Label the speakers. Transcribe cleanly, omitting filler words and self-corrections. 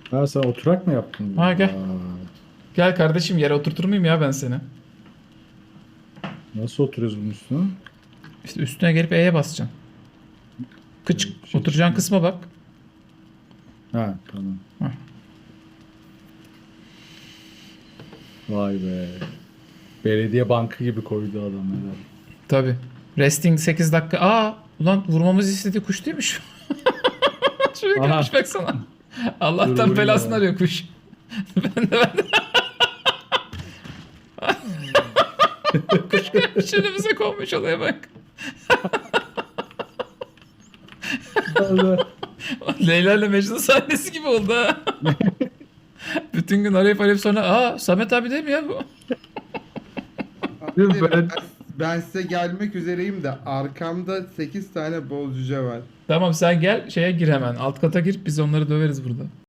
Speaker 1: Ha sen oturak mı yaptın?
Speaker 2: Ha gel.
Speaker 1: Vay.
Speaker 2: Gel kardeşim, yere oturtur muyum ya ben seni?
Speaker 1: Nasıl oturuyoruz bunun üstüne?
Speaker 2: İşte üstüne gelip E'ye basacaksın. Kıç
Speaker 1: Bir şey
Speaker 2: oturacağın
Speaker 1: çıkmıyor.
Speaker 2: kısma bak.
Speaker 1: Ha tamam.
Speaker 2: Hah.
Speaker 1: Vay be. Belediye bankı gibi koydu adam herhalde.
Speaker 2: Tabi. Resting 8 dakika. Aa, ulan vurmamızı istediği kuş değil mi şu? Şuraya
Speaker 1: Aha.
Speaker 2: gelmiş baksana.
Speaker 1: Dur
Speaker 2: Allah'tan
Speaker 1: vurayım
Speaker 2: belasını
Speaker 1: hemen.
Speaker 2: arıyor kuş. ben de. Kuş gelmiş önümüze konmuş, olaya bak.
Speaker 1: Allah.
Speaker 2: Leyla ile Mecnun sahnesi gibi oldu ha. Bütün gün arayıp sonra Samet abi değil mi ya bu?
Speaker 3: Abi
Speaker 1: Ben
Speaker 3: ben size gelmek üzereyim de arkamda 8 tane bol cüce var.
Speaker 2: Tamam, sen gel şeye gir hemen. Alt kata gir, biz onları döveriz burada.